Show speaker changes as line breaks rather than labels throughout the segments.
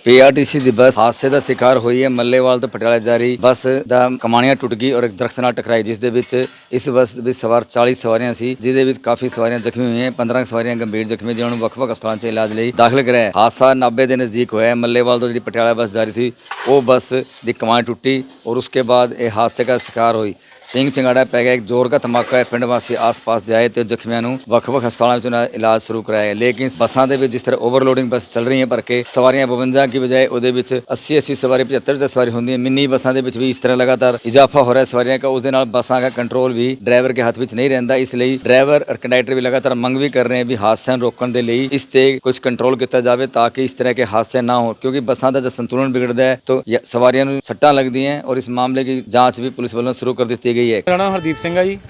PRTC ਦੀ ਬੱਸ ਹਾਦਸੇ ਦਾ ਸ਼ਿਕਾਰ ਹੋਈ ਹੈ। ਮੱਲੇਵਾਲ ਤੋਂ ਪਟਿਆਲਾ ਜਾ ਰਹੀ ਬੱਸ ਦਾ ਕਮਾਣੀਆਂ ਟੁੱਟ ਗਈ ਔਰ ਇੱਕ ਦਰਖਤ ਨਾਲ ਟਕਰਾਈ, ਜਿਸ ਦੇ ਵਿੱਚ ਇਸ ਬੱਸ ਵਿੱਚ ਸਵਾਰ 40 ਸਵਾਰੀਆਂ ਸੀ, ਜਿਹਦੇ ਵਿੱਚ ਕਾਫੀ ਸਵਾਰੀਆਂ ਜ਼ਖਮੀ ਹੋਈਆਂ। 15 ਸਵਾਰੀਆਂ ਗੰਭੀਰ ਜ਼ਖਮੀ, ਜਿਨ੍ਹਾਂ ਨੂੰ ਵੱਖ-ਵੱਖ ਹਸਪਤਾਲਾਂ 'ਚ ਇਲਾਜ ਲਈ ਦਾਖਲ ਕਰਾਇਆ। ਹਾਦਸਾ ਨਾਭੇ ਦੇ ਨਜ਼ਦੀਕ ਹੋਇਆ। ਮੱਲੇਵਾਲ ਤੋਂ ਜਿਹੜੀ ਪਟਿਆਲਾ ਬੱਸ ਜਾ ਰਹੀ थी वो बस की कमान टूटी और उसके बाद ये हादसे का शिकार हुई। ਸਿੰਘ ਚੰਗਾੜਾ ਪੈ ਗਿਆ। ਇੱਕ ਜ਼ੋਰ ਦਾ ਧਮਾਕਾ ਹੈ। ਪਿੰਡ ਵਾਸੀ ਆਸ-ਪਾਸ ਦੇ ਆਏ ਤੇ ਜ਼ਖਮੀਆਂ ਨੂੰ ਵੱਖ-ਵੱਖ ਹਸਪਤਾਲਾਂ ਵਿੱਚ ਉਹਨਾਂ ਦਾ ਇਲਾਜ ਸ਼ੁਰੂ ਕਰਾਇਆ। ਲੇਕਿਨ ਬੱਸਾਂ ਦੇ ਵਿੱਚ ਜਿਸ ਤਰ੍ਹਾਂ ਓਵਰਲੋਡਿੰਗ ਬੱਸ ਚੱਲ ਰਹੀਆਂ ਭਰ ਕੇ, ਸਵਾਰੀਆਂ 52 की ਬਜਾਏ ਉਹਦੇ ਵਿੱਚ 80 ਸਵਾਰੀ 75 ਸਵਾਰੀ ਹੁੰਦੀ ਹੈ। ਮਿੰਨੀ ਬੱਸਾਂ ਦੇ ਵਿੱਚ ਵੀ ਇਸ ਤਰ੍ਹਾਂ ਲਗਾਤਾਰ ਇਜ਼ਾਫਾ ਹੋ ਰਿਹਾ ਸਵਾਰੀਆਂ का। उसके नाल ਬੱਸਾਂ का कंट्रोल भी ड्राइवर के हाथ ਵਿੱਚ नहीं रहता। ਇਸ ਲਈ ਡਰਾਈਵਰ और कंडक्टर भी लगातार ਮੰਗ भी कर रहे हैं भी ਹਾਦਸਿਆਂ ਨੂੰ ਰੋਕਣ ਦੇ ਲਈ ਇਸ ਤੇ ਕੁਝ ਕੰਟਰੋਲ ਕੀਤਾ ਜਾਵੇ ताकि इस तरह के हादसे ना हो, क्योंकि ਬੱਸਾਂ ਦਾ जब संतुलन बिगड़ता है तो सवारियों ਨੂੰ ਸੱਟਾਂ ਲੱਗਦੀਆਂ हैं और इस मामले की जांच भी पुलिस ਵੱਲੋਂ शुरू कर ਦਿੱਤੀ गई है।
ਮੇਰਾ ਨਾਮ ਹਰਦੀਪ ਸਿੰਘ ਆ ਜੀ।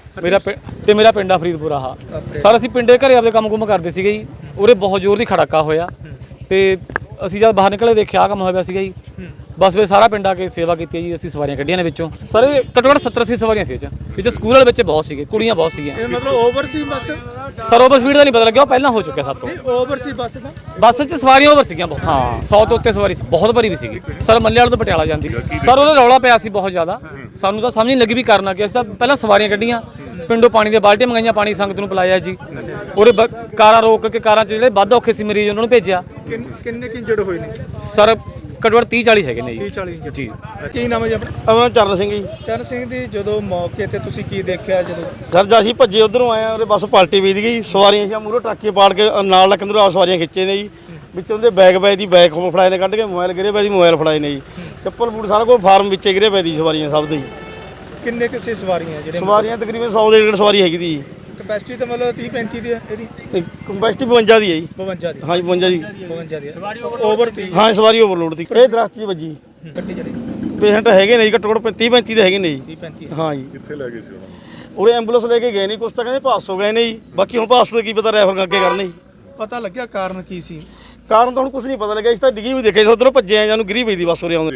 ਮੇਰਾ ਪਿੰਡ ਆ ਫਰੀਦਪੁਰ ਆ। ਸਰ ਅਸੀਂ ਪਿੰਡੇ ਘਰੇ ਆਪਦੇ ਕੰਮ ਕਰਦੇ ਸੀਗੇ ਜੀ। ਉਰੇ ਬਹੁਤ ਜ਼ੋਰ ਦੀ ਖੜਾਕਾ ਹੋਇਆ ਤੇ ਅਸੀਂ ਜਦ ਬਾਹਰ ਨਿਕਲੇ ਦੇਖਿਆ ਕੰਮ ਹੋਇਆ ਸੀਗਾ ਜੀ। ਬਸ ਵੇ ਸਾਰਾ ਪਿੰਡ ਆ ਕੇ ਸੇਵਾ ਕੀਤੀ ਜੀ। ਅਸੀਂ ਸਵਾਰੀਆਂ ਕੱਢੀਆਂ ਨੇ ਵਿੱਚੋਂ। ਸਰ ਘੱਟੋ ਘੱਟ 70-80 ਸਵਾਰੀਆਂ ਸੀ ਵਿੱਚ ਸਕੂਲ ਵਾਲੇ ਬੱਚੇ ਬਹੁਤ ਸੀਗੇ, ਕੁੜੀਆਂ ਬਹੁਤ ਸੀਗੀਆਂ।
ਇਹ ਮਤਲਬ ਓਵਰ ਸੀ ਬੱਸ?
ਸਰ ਓਵਰ ਸਪੀਡ ਦਾ ਨਹੀਂ ਪਤਾ ਲੱਗਿਆ, ਉਹ ਪਹਿਲਾਂ ਹੋ ਚੁੱਕਿਆ ਸਭ ਤੋਂ।
ਓਵਰ ਸੀ ਬੱਸ ਦਾ?
ਬੱਸ 'ਚ ਸਵਾਰੀਆਂ ਓਵਰ ਸੀਗੀਆਂ ਬਹੁਤ। ਹਾਂ 100 ਤੋਂ ਉੱਤੇ ਸਵਾਰੀ ਸੀ, ਬਹੁਤ ਭਰੀ ਵੀ ਸੀਗੀ। ਸਰ ਮੱਲੇਵਾਲ ਤੋਂ ਪਟਿਆਲਾ ਜਾਂਦੀ। ਸਰ ਉਹਦਾ ਰੌਲਾ ਪਿਆ ਸੀ ਬਹੁਤ ਜ਼ਿਆਦਾ। ਸਾਨੂੰ ਤਾਂ ਸਮਝ ਨਹੀਂ ਲੱਗੀ ਵੀ ਕਰਨਾ ਕੀ। ਅਸੀਂ ਤਾਂ ਪਹਿਲਾਂ ਸਵਾਰੀਆਂ ਕੱਢੀਆਂ, ਪਿੰਡੋਂ ਪਾਣੀ ਦੀਆਂ ਬਾਲਟੀਆਂ ਮੰਗਾਈਆਂ, ਪਾਣੀ ਸੰਗਤ ਨੂੰ ਪਿਲਾਇਆ ਜੀ। ਉਹਦੇ ਕਾਰਾਂ ਰੋਕ ਕੇ ਕਾਰਾਂ 'ਚ ਜਿਹੜੇ ਵੱਧ ਔਖੇ ਸੀ ਮਰੀਜ਼ ਉਹਨਾਂ ਨੂੰ ਭੇਜਿਆ।
ਕਿੰਨੇ ਇੰਜਰਡ ਹੋਏ ਨੇ
ਸਰ? ਘੱਟੋ ਘੱਟ 30-40 ਹੈਗੇ ਨੇ ਜੀ।
30-40
ਜੀ।
ਕੀ ਨਾਮ ਹੈ ਜੀ ਆਪਣਾ?
ਆਪਣਾ ਚਰਨ ਸਿੰਘ ਜੀ।
ਚਰਨ ਸਿੰਘ ਦੀ ਜਦੋਂ ਮੌਕੇ ਤੇ ਤੁਸੀਂ ਕੀ ਦੇਖਿਆ ਜਦੋਂ?
ਸਰ ਜਦ ਅਸੀਂ ਭੱਜੇ ਉਧਰੋਂ ਆਏ ਉਹਦੇ ਬੱਸ ਪਲਟੀ ਵੀਦ ਗਈ। ਸਵਾਰੀਆਂ ਸੀ ਮੂਹਰੋਂ ਟਾਕੇ ਪਾੜ ਕੇ ਨਾਲ ਲੱਕ ਅੰਦਰੋਂ ਸਵਾਰੀਆਂ ਖਿੱਚੇ ਨੇ ਜੀ। ਵਿੱਚੋਂ ਦੇ ਬੈਗ ਫੜਾਏ ਨੇ, ਕੱਢ ਕੇ ਮੋਬਾਈਲ ਗਿਰੇ ਪਏ ਦੀ ਮੋਬਾਈਲ ਫੜਾਏ ਨੇ ਜੀ। ਚੱਪਲ ਬੂਟ ਸਾਰਾ ਕੁਝ ਫਾਰਮ ਵਿੱਚੇ ਗਿਰੇ ਪਏ ਦੀ ਸਵਾਰੀਆਂ ਸਭ ਦੇ ਜੀ।
ਕਿੰਨੇ ਕਿਸੇ ਸਵਾਰੀਆਂ ਜਿਹੜੇ?
ਸਵਾਰੀਆਂ ਤਕਰੀਬਨ 100 ਦੇ ਡੇਢ ਸਵਾਰੀ ਹੈਗੀ ਦੀ ਜੀ।
ਕਪੈਸਿਟੀ ਤਾਂ ਮਤਲਬ 30-35 ਦੀ ਹੈ ਇਹਦੀ?
ਕੰਪੈਸਿਟੀ 52 ਦੀ ਹੈ ਜੀ।
52 ਦੀ?
ਹਾਂ ਜੀ 52 ਦੀ।
52 ਦੀ ਓਵਰ 30?
ਹਾਂ ਸਵਾਰੀ ਓਵਰਲੋਡ ਦੀ। ਇਹ ਦਰਖਤ 'ਚ ਵੱਜੀ।
ਗੱਡੀ ਜਿਹੜੀ
ਪੇਸ਼ੈਂਟ ਹੈਗੇ ਨੇ ਜੀ ਘੱਟੋ ਘੱਟ 30-35 ਦੇ ਹੈਗੇ ਨੇ ਜੀ।
30-35?
ਹਾਂ ਜੀ।
ਕਿੱਥੇ ਲੈ ਗਏ ਸੀ ਉਹਨਾਂ ਨੂੰ?
ਉਰੇ ਐਂਬੂਲੈਂਸ ਲੈ ਕੇ ਗਏ ਨਹੀਂ, ਕੁਛ ਤਾਂ ਕਹਿੰਦੇ ਪਾਸ ਹੋ ਗਏ ਨੇ ਜੀ। ਬਾਕੀ ਹੁਣ ਪਾਸ ਤੋਂ ਕੀ ਪਤਾ ਰੈਫਰ ਅੱਗੇ ਕਰਨੇ ਜੀ।
ਪਤਾ ਲੱਗਿਆ ਕਾਰਨ ਕੀ ਸੀ?
ਕਾਰਨ ਤਾਂ ਹੁਣ ਕੁਝ ਨਹੀਂ ਪਤਾ ਲੱਗਿਆ। ਇਸ ਤਾਂ ਡਿੱਗੀ ਵੀ ਦੇਖਿਆ, ਉਧਰੋਂ ਭੱਜੇ ਆ ਜਾਨੂੰ ਗਿਰੀ ਪਈ ਦੀ ਬੱਸ ਉਰੇ ਆਉਂਦੇ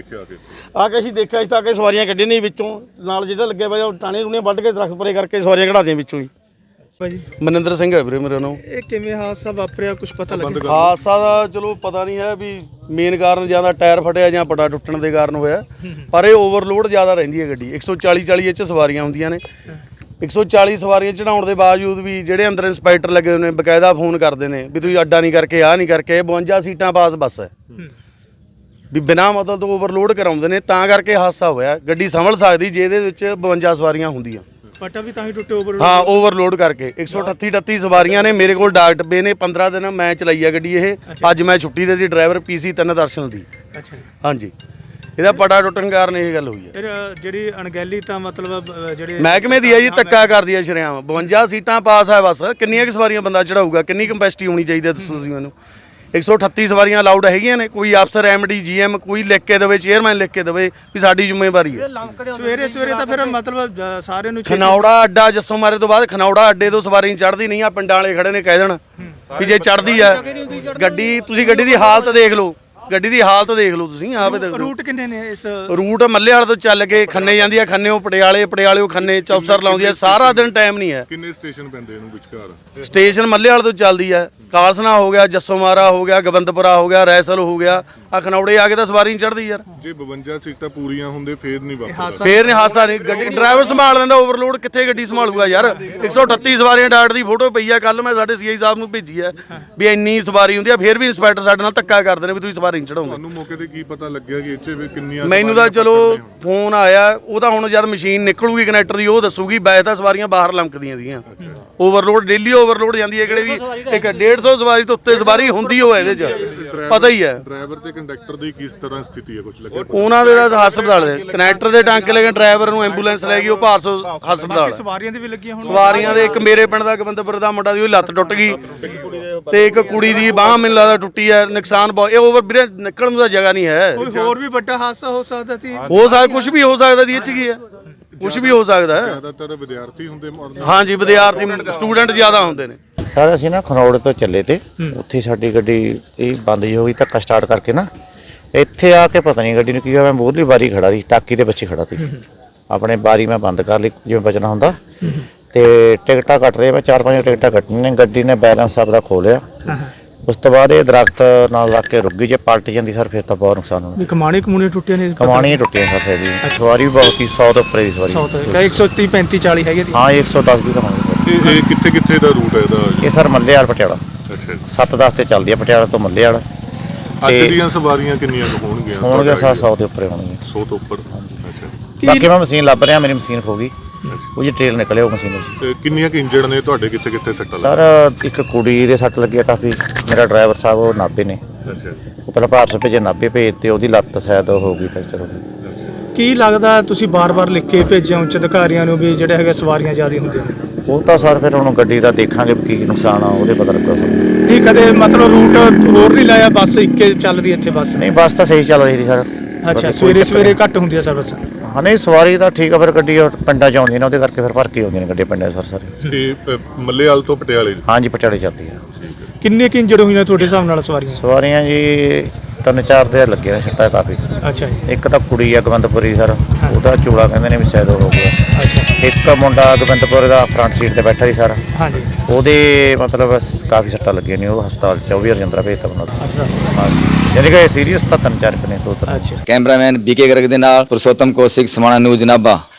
ਆ ਕੇ ਅਸੀਂ ਦੇਖਿਆ। ਇਸ ਤਾਂ ਆ ਕੇ ਸਵਾਰੀਆਂ ਕੱਢੀਆਂ ਨੇ ਵਿੱਚੋਂ, ਨਾਲ ਜਿਹੜਾ ਲੱਗਿਆ ਪਿਆ ਟਾਣੇ ਰੂਣੇ ਵੱਢ ਕੇ ਦਰਖਤ ਪਰੇ ਕਰਕੇ ਸਵਾਰੀਆਂ ਕਢਾ ਦੀਆਂ ਵਿੱਚੋਂ ਹੀ।
ਭਾਜੀ
ਮਨਿੰਦਰ ਸਿੰਘ ਹੈ ਵੀਰੇ ਮੇਰੇ ਨਾਮ।
ਇਹ ਕਿਵੇਂ ਹਾਦਸਾ ਵਾਪਰਿਆ, ਕੁਝ ਪਤਾ ਲੱਗਿਆ?
ਹਾਦਸਾ ਦਾ ਚਲੋ ਪਤਾ ਨਹੀਂ ਹੈ ਵੀ ਮੇਨ ਕਾਰਨ ਜਾਂ ਤਾਂ ਟਾਇਰ ਫਟਿਆ ਜਾਂ ਪਟਾ ਟੁੱਟਣ ਦੇ ਕਾਰਨ ਹੋਇਆ, ਪਰ ਇਹ ਓਵਰਲੋਡ ਜ਼ਿਆਦਾ ਰਹਿੰਦੀ ਹੈ ਗੱਡੀ। 140 ਇਹ 'ਚ ਸਵਾਰੀਆਂ ਹੁੰਦੀਆਂ ਨੇ। 140 ਸਵਾਰੀਆਂ ਚੜਾਉਣ ਦੇ ਬਾਵਜੂਦ ਵੀ ਜਿਹੜੇ ਅੰਦਰ ਇੰਸਪੈਕਟਰ ਲੱਗੇ ਹੋਏ ਨੇ ਬਕਾਇਦਾ ਫੋਨ ਕਰਦੇ ਨੇ ਵੀ ਤੁਸੀਂ ਅੱਡਾ ਨਹੀਂ ਕਰਕੇ ਆਹ ਨਹੀਂ ਕਰਕੇ। 52 ਸੀਟਾਂ ਪਾਸ ਬੱਸ ਹੈ ਵੀ ਬਿਨਾਂ ਮਤਲਬ ਤੋਂ ਓਵਰਲੋਡ ਕਰਾਉਂਦੇ ਨੇ, ਤਾਂ ਕਰਕੇ ਹਾਦਸਾ ਹੋਇਆ। ਗੱਡੀ ਸੰਭਲ ਸਕਦੀ ਜੇ ਇਹਦੇ ਵਿੱਚ 52 ਸਵਾਰੀਆਂ ਹੁੰਦੀਆਂ।
ਪਟਾ ਵੀ ਤਾਂ ਹੀ ਟੁੱਟੇ ਓਵਰ?
ਹਾਂ ਓਵਰਲੋਡ ਕਰਕੇ 138 ਸਵਾਰੀਆਂ ਨੇ। ਮੇਰੇ ਕੋਲ ਡਾਕ ਡੱਬੇ ਨੇ। 15 ਦਿਨ ਮੈਂ ਚਲਾਈ ਆ ਗੱਡੀ ਇਹ। ਅੱਜ ਮੈਂ ਛੁੱਟੀ ਦੇ ਦੀ ਡਰਾਈਵਰ PC 3 ਦਰਸ਼ਨ ਦੀ।
ਅੱਛਾ ਜੀ।
ਹਾਂਜੀ ਇਹਦਾ ਪਟਾ ਟੁੱਟਣ ਕਾਰਨ ਇਹ ਗੱਲ ਹੋਈ ਹੈ।
ਫਿਰ ਜਿਹੜੀ ਅਣਗਹਿਲੀ ਤਾਂ ਮਤਲਬ ਜਿਹੜੇ
ਮਹਿਕਮੇ ਦੀ ਹੈ ਜੀ, ਧੱਕਾ ਕਰਦੀ ਹੈ ਸ਼ਰੇਆਮ। 52 ਸੀਟਾਂ ਪਾਸ ਹੈ ਬੱਸ। ਕਿੰਨੀਆਂ ਕੁ ਸਵਾਰੀਆਂ ਬੰਦਾ ਚੜਾਊਗਾ? ਕਿੰਨੀ ਕੰਪੈਸਿਟੀ ਹੋਣੀ ਚਾਹੀਦੀ ਹੈ ਦੱਸੋ ਜੀ ਮੈਨੂੰ। 138 ਸਵਾਰੀਆਂ ਅਲਾਉਡ ਹੈਗੀਆਂ ਨੇ। ਕੋਈ ਅਫਸਰ MD GM ਕੋਈ ਲਿਖ ਕੇ ਦੇਵੇ, ਚੇਅਰਮੈਨ ਲਿਖ ਕੇ ਦੇਵੇ ਵੀ ਸਾਡੀ ਜ਼ਿੰਮੇਵਾਰੀ ਹੈ।
ਸਵੇਰੇ ਤਾਂ ਫਿਰ ਮਤਲਬ ਸਾਰਿਆਂ ਨੂੰ
ਖਨੌੜਾ ਅੱਡਾ ਜੱਸੋ ਮਾਰੇ ਤੋਂ ਬਾਅਦ ਖਨੌੜਾ ਅੱਡੇ ਤੋਂ ਸਵਾਰੀ ਚੜ੍ਹਦੀ ਨਹੀਂ ਆ। ਪਿੰਡਾਂ ਵਾਲੇ ਖੜੇ ਨੇ ਕਹਿ ਦੇਣ ਵੀ ਜੇ ਚੜ੍ਹਦੀ ਆ ਗੱਡੀ, ਤੁਸੀਂ ਗੱਡੀ ਦੀ ਹਾਲਤ ਦੇਖ ਲਓ। ਗੱਡੀ ਦੀ ਹਾਲਤ ਦੇਖ ਲਓ ਤੁਸੀਂ ਆਪੇ ਦੇਖ ਲਓ।
ਰੂਟ ਕਿੰਨੇ ਨੇ ਇਸ?
ਰੂਟ ਮੱਲੇਵਾਲ ਤੋਂ ਚੱਲ ਕੇ ਖੰਨੇ ਜਾਂਦੀ ਆ, ਖੰਨੇੋਂ ਪਟਿਆਲੇ ਖੰਨੇ ਚੌਪਸਰ ਲਾਉਂਦੀ ਆ। ਸਾਰਾ ਦਿਨ ਟਾਈਮ ਨਹੀਂ ਹੈ।
ਕਿੰਨੇ ਸਟੇਸ਼ਨ ਪੈਂਦੇ ਇਹਨੂੰ ਵਿਚਕਾਰ?
ਸਟੇਸ਼ਨ ਮੱਲੇਵਾਲ ਤੋਂ ਚੱਲਦੀ ਆ, ਕਾਲਸਨਾ ਹੋ ਗਿਆ, ਜੱਸੋ ਮਾਰਾ ਹੋ ਗਿਆ, ਗੋਬਿੰਦਪੁਰਾ ਹੋ ਗਿਆ, ਰੈਸਲ ਹੋ ਗਿਆ। ਆ ਖਨੌੜੇ ਆ ਕੇ ਤਾਂ ਸਵਾਰੀ ਨਹੀਂ ਚੜ੍ਹਦੀ ਯਾਰ।
ਜੇ 52 ਸੀਟਾਂ ਪੂਰੀਆਂ ਹੁੰਦੇ ਫੇਰ ਨਹੀਂ ਵਾਪਰਦਾ?
ਫੇਰ ਨਹੀਂ ਹਾਦਸਾ ਨਹੀਂ। ਗੱਡੀ ਡਰਾਈਵਰ ਸੰਭਾਲ ਲੈਂਦਾ। ਓਵਰਲੋਡ ਕਿੱਥੇ ਗੱਡੀ ਸੰਭਾਲੂਗਾ ਯਾਰ? 138 ਸਵਾਰੀਆਂ ਡਾਟ ਦੀ ਫੋਟੋ ਪਈ ਆ, ਕੱਲ ਮੈਂ ਸਾਡੇ CI ਸਾਹਿਬ ਨੂੰ ਭੇਜੀ ਆ ਵੀ ਇੰਨੀ ਸਵਾਰੀ ਹੁੰਦੀ ਆ। ਫੇਰ ਵੀ ਇੰਸਪੈਕਟਰ ਸਾਡੇ ਨਾਲ ਧੱਕਾ ਕਰਦੇ ਨੇ ਵੀ ਤੁਸੀਂ ਸਵਾਰੀ ਨਹੀਂ ਚੜਾਉਂਦੇ।
ਤੁਹਾਨੂੰ ਮੌਕੇ ਤੇ ਕੀ ਪਤਾ ਲੱਗਿਆ ਕਿ ਇੱਥੇ ਵੀ ਕਿੰਨੀਆਂ?
ਮੈਨੂੰ ਤਾਂ ਚਲੋ ਫੋਨ ਆਇਆ, ਉਹ ਤਾਂ ਹੁਣ ਜਦ ਮਸ਼ੀਨ ਨਿਕਲੂਗੀ ਕਨੈਕਟਰ ਦੀ ਉਹ ਦੱਸੂਗੀ। ਵੈਸੇ ਤਾਂ ਸਵਾਰੀਆਂ ਬਾਹਰ ਲੰਕਦੀਆਂ ਸੀਗੀਆਂ। ਓਵਰਲੋਡ ਡੇਲੀ ਓਵਰਲੋਡ ਜਾਂਦੀ ਹੈ। ਕਿਹੜੇ ਵੀ ਇੱਕ 150 ਸਵਾਰੀ ਤੋਂ ਉੱਤੇ ਸਵਾਰੀ ਹੁੰਦੀ ਹੋਵੇ ਇਹਦੇ 'ਚ ਪਤਾ ਹੀ ਹੈ।
ਡਰਾਈਵਰ ਤੇ ਕੰਡਕਟਰ ਦੀ ਕਿਸ ਤਰ੍ਹਾਂ ਸਥਿਤੀ ਹੈ, ਕੁਝ ਲੱਗਿਆ?
ਉਹਨਾਂ ਦੇ ਤਾਂ ਹਸਪਤਾਲ ਦੇ ਕਨੈਕਟਰ ਦੇ ਟਾਂਕੇ ਲੈ ਕੇ ਡਰਾਈਵਰ ਨੂੰ ਐਂਬੂਲੈਂਸ ਲੈ ਗਈ, ਉਹ ਭਾਰਸੋ ਹਸਪਤਾਲ।
ਸਵਾਰੀਆਂ ਦੇ ਵੀ ਲੱਗੀਆਂ ਹੁਣ?
ਸਵਾਰੀਆਂ ਦੇ ਇੱਕ ਮੇਰੇ ਪਿੰਡ ਦਾ ਗੋਬਿੰਦਪੁਰ ਦਾ ਮੁੰਡਾ ਦੀ ਉਹ ਲੱਤ ਟੁੱਟ ਗਈ ਤੇ ਇੱਕ ਕੁੜੀ ਦੀ ਬਾਂਹ ਮੈਨੂੰ ਲੱਗਦਾ ਟੁੱਟੀ ਹੈ। ਨੁਕਸਾਨ ਬਹੁਤ। ਇਹ ਓਵਰ ਵੀਰੇ ਨਿਕਲਣ ਨੂੰ ਤਾਂ ਜਗ੍ਹਾ ਨਹੀਂ ਹੈ।
ਕੋਈ ਹੋਰ ਵੀ ਵੱਡਾ ਹਾਦਸਾ ਹੋ ਸਕਦਾ ਸੀ?
ਹੋ ਸਕਦਾ, ਕੁਝ ਵੀ ਹੋ ਸਕਦਾ ਦੀ ਇਹ 'ਚ ਕੀ ਹੈ, ਕੁਝ ਵੀ ਹੋ ਸਕਦਾ ਹੈ।
ਜ਼ਿਆਦਾਤਰ ਵਿਦਿਆਰਥੀ ਹੁੰਦੇ?
ਹਾਂਜੀ ਵਿਦਿਆਰਥੀ ਸਟੂਡੈਂਟ ਜ਼ਿਆਦਾ ਹੁੰਦੇ ਨੇ।
ਸਰ ਅਸੀਂ ਨਾ ਖਨੌੜ ਤੋਂ ਚੱਲੇ ਤੇ ਉੱਥੇ ਸਾਡੀ ਗੱਡੀ ਇਹ ਬੰਦ ਜੀ ਹੋ ਗਈ। ਧੱਕਾ ਸਟਾਰਟ ਕਰਕੇ ਨਾ ਇੱਥੇ ਆ ਕੇ ਪਤਾ ਨਹੀਂ ਗੱਡੀ ਨੂੰ ਕੀ ਹੋਇਆ। ਮੈਂ ਮੂਹਰਲੀ ਬਾਰੀ ਖੜਾ ਸੀ, ਟਾਕੀ ਦੇ ਪਿੱਛੇ ਖੜਾ ਸੀ। ਆਪਣੇ ਬਾਰੀ ਮੈਂ ਬੰਦ ਕਰ ਲਈ ਜਿਵੇਂ ਬਚਣਾ ਹੁੰਦਾ ਤੇ ਟਿਕਟਾਂ ਕੱਟ ਰਹੇ। ਮੈਂ 4-5 ਟਿਕਟਾਂ ਕੱਟਣੀਆਂ ਨੇ। ਗੱਡੀ ਨੇ ਬੈਲੈਂਸ ਆਪਦਾ ਖੋ ਲਿਆ ਉਸ ਤੋਂ ਬਾਅਦ ਇਹ ਦਰਖਤ ਨਾਲ ਲੱਗ ਕੇ ਰੁਕ ਗਈ, ਜੇ ਪਲਟ ਜਾਂਦੀ ਸਰ ਫਿਰ ਤਾਂ ਬਹੁਤ ਨੁਕਸਾਨ ਹੋਣਾ।
ਵੀ ਕਮਾਣੇ ਟੁੱਟੇ ਨੇ
ਕਮਾਣੀਆਂ ਟੁੱਟੀਆਂ ਫਸੇ ਦੀ ਸਵਾਰੀ ਵੀ ਬਹੁਤ ਹੀ 100 ਤੋਂ ਉੱਪਰ ਦੀ ਸਵਾਰੀ।
130 35 40 ਹੈਗੇ
ਹਾਂ 110 ਵੀ ਕਮਾਣੀ
ਇਹ ਕਿੱਥੇ ਕਿੱਥੇ ਦਾ ਰੂਟ ਹੈ ਇਹਦਾ?
ਇਹ ਸਰ ਮੱਲੇ ਵਾਲ ਪਟਿਆਲਾ
ਅੱਛਾ ਜੀ।
7-10 ਤੇ ਚੱਲਦੀ ਆ ਪਟਿਆਲਾ ਤੋਂ ਮੱਲੇ ਵਾਲ।
ਅੱਜ ਦੀਆਂ ਸਵਾਰੀਆਂ ਕਿੰਨੀਆਂ ਕੁ ਹੋਣਗੀਆਂ?
ਹੋਣਗੇ ਸਰ 100 ਦੇ ਉੱਪਰ ਹੋਣਗੇ।
100 ਤੋਂ ਉੱਪਰ। ਅੱਛਾ ਜੀ।
ਬਾਕੀ ਮੈਂ ਮਸ਼ੀਨ ਲੱਭ ਰਿਹਾ, ਮੇਰੀ ਮਸ਼ੀਨ ਖੋ ਗਈ, ਉਹ ਜੀ ਟ੍ਰੇਲ ਨਿਕਲੇ ਉਹ ਮਸ਼ੀਨ ਵਿੱਚ।
ਤੇ ਕਿੰਨੀਆਂ ਕੁ ਇੰਜਰਡ ਨੇ ਤੁਹਾਡੇ? ਕਿੱਥੇ ਕਿੱਥੇ ਸੱਟਾਂ
ਸਰ ਇੱਕ ਕੁੜੀ ਦੇ ਸੱਟ ਲੱਗੀ ਆ ਕਾਫੀ। ਮੇਰਾ ਡਰਾਈਵਰ ਸਾਹਿਬ ਉਹ ਨਾਭੇ ਨੇ,
ਅੱਛਾ ਜੀ।
ਉਹ ਪਹਿਲਾਂ ਭਾਰਤ ਭੇਜੇ, ਨਾਭੇ ਭੇਜ ਤੇ ਉਹਦੀ ਲੱਤ ਸ਼ਾਇਦ ਹੋ ਗਈ ਫ੍ਰੈਕਚਰ ਹੋ ਗਈ।
ਕੀ ਲੱਗਦਾ ਤੁਸੀਂ ਬਾਰ-ਬਾਰ ਲਿਖ ਕੇ ਭੇਜਿਆ ਉੱਚ ਅਧਿਕਾਰੀਆਂ ਨੂੰ ਵੀ ਜਿਹੜੇ ਹੈਗੇ ਸਵਾਰੀਆਂ ਜ਼ਿਆਦਾ ਹੁੰਦੀਆਂ ਨੇ?
ਉਹ ਤਾਂ ਸਰ ਫਿਰ ਹੁਣ ਗੱਡੀ ਦਾ ਦੇਖਾਂਗੇ ਕੀ ਨੁਕਸਾਨ ਆ, ਉਹਦੇ ਪਤਾ ਲੱਗਾ ਸਰ।
ਨਹੀਂ ਕਦੇ ਮਤਲਬ ਰੂਟ ਹੋਰ ਨਹੀਂ ਲਾਇਆ, ਬੱਸ ਇੱਕੇ ਚੱਲਦੀ ਇੱਥੇ ਬੱਸ?
ਨਹੀਂ ਬੱਸ ਤਾਂ ਸਹੀ ਚੱਲ ਰਹੀ ਸੀ ਸਰ।
ਅੱਛਾ, ਸਵੇਰੇ ਘੱਟ ਹੁੰਦੀ ਹੈ ਸਰਵਿਸ?
ਹਾਂ ਨਹੀਂ ਸਵਾਰੀ ਤਾਂ ਠੀਕ ਆ, ਫਿਰ ਗੱਡੀ ਉਹ ਪਿੰਡਾਂ 'ਚ ਆਉਂਦੀਆਂ ਨੇ, ਉਹਦੇ ਕਰਕੇ ਫਿਰ ਭਰ ਕੇ ਆਉਂਦੀਆਂ ਨੇ ਗੱਡੀਆਂ ਪਿੰਡਾਂ 'ਚ ਸਰ ਸਾਰੇ।
ਤੇ ਮੱਲੇਵਾਲ ਤੋਂ ਪਟਿਆਲੇ?
ਹਾਂਜੀ ਪਟਿਆਲੇ ਚੱਲਦੀ ਆ।
ਕਿੰਨੇ ਕਿ ਇੰਜਰਡ ਹੋਈਆਂ ਤੁਹਾਡੇ ਹਿਸਾਬ ਨਾਲ ਸਵਾਰੀਆਂ?
ਸਵਾਰੀਆਂ ਜੀ 3-4 ਦੇ ਲੱਗੇ ਨੇ ਛੱਟਾ ਕਾਫੀ।
ਅੱਛਾ ਜੀ।
ਇੱਕ ਤਾਂ ਕੁੜੀ ਆ ਗੋਬਿੰਦਪੁਰੀ ਸਰ, ਉਹਦਾ ਚੂੜਾ ਕਹਿੰਦੇ ਨੇ ਵੀ ਸ਼ਾਇਦ ਉਹ ਹੋ ਗਿਆ।
ਅੱਛਾ।
ਇੱਕ ਮੁੰਡਾ ਗੋਬਿੰਦਪੁਰ ਦਾ ਫਰੰਟ ਸੀਟ ਤੇ ਬੈਠਾ ਸੀ ਸਰ,
ਹਾਂਜੀ।
ਉਹਦੇ ਮਤਲਬ ਕਾਫੀ ਸੱਟਾਂ ਲੱਗੀਆਂ ਨੇ, ਉਹ ਹਸਪਤਾਲ 'ਚ ਉਹ ਵੀ ਰਜਿੰਦਰਾ ਭੇਜਤਾ ਉਹਨਾਂ ਨੂੰ।
ਅੱਛਾ।
ਹਾਂਜੀ ਯਾਨੀ ਕਿ ਸੀਰੀਅਸ ਤਾਂ 3-4 ਨੇ ਦੋ ਤਾਂ।
ਅੱਛਾ।
ਕੈਮਰਾਮੈਨ ਬੀਕੇ ਗਰਗ ਦੇ ਨਾਲ ਪੁਰਸ਼ੋਤਮ ਕੌਸ਼ਿਕ, ਸਮਾਣਾ ਨਿਊਜ਼ ਨਾਭਾ।